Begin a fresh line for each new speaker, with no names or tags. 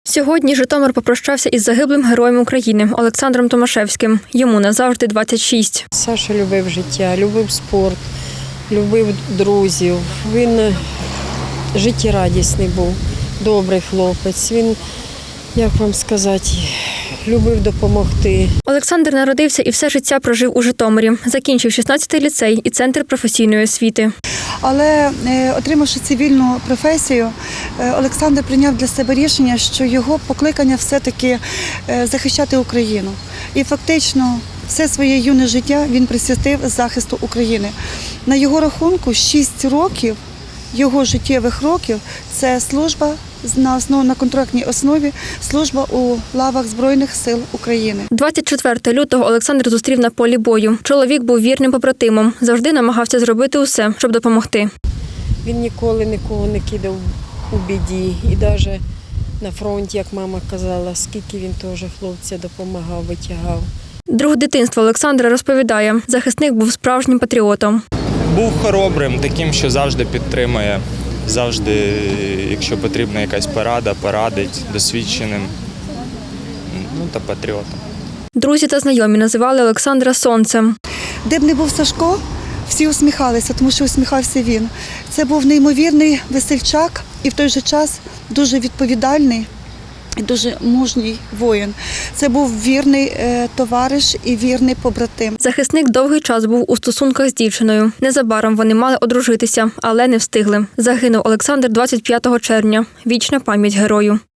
Сьогодні Житомир попрощався із загиблим героєм України Олександром Томашевським. Йому назавжди 26.
Саша любив життя, любив спорт, любив друзів. Він життєрадісний був, добрий хлопець. Він, як вам сказати, любив допомогти.
Олександр народився і все життя прожив у Житомирі. Закінчив 16-й ліцей і центр професійної освіти.
Але отримавши цивільну професію, Олександр прийняв для себе рішення, що його покликання все-таки захищати Україну. І фактично все своє юне життя він присвятив захисту України. На його рахунку 6 років його життєвих років – це служба на контрактній основі, служба у лавах Збройних сил України.
24 лютого Олександр зустрів на полі бою. Чоловік був вірним побратимом, завжди намагався зробити усе, щоб допомогти.
Він ніколи нікого не кидав у біді. І навіть на фронті, як мама казала, скільки він теж хлопця допомагав, витягав.
Друг дитинства Олександра розповідає, захисник був справжнім патріотом.
Був хоробрим, таким, що завжди підтримує, завжди, якщо потрібна якась порада, порадить, досвідченим, та патріотом.
Друзі та знайомі називали Олександра сонцем.
Де б не був Сашко, всі усміхалися, тому що усміхався він. Це був неймовірний весельчак і в той же час дуже відповідальний і дуже мужній воїн. Це був вірний товариш і вірний побратим.
Захисник довгий час був у стосунках з дівчиною. Незабаром вони мали одружитися, але не встигли. Загинув Олександр 25 червня. Вічна пам'ять герою.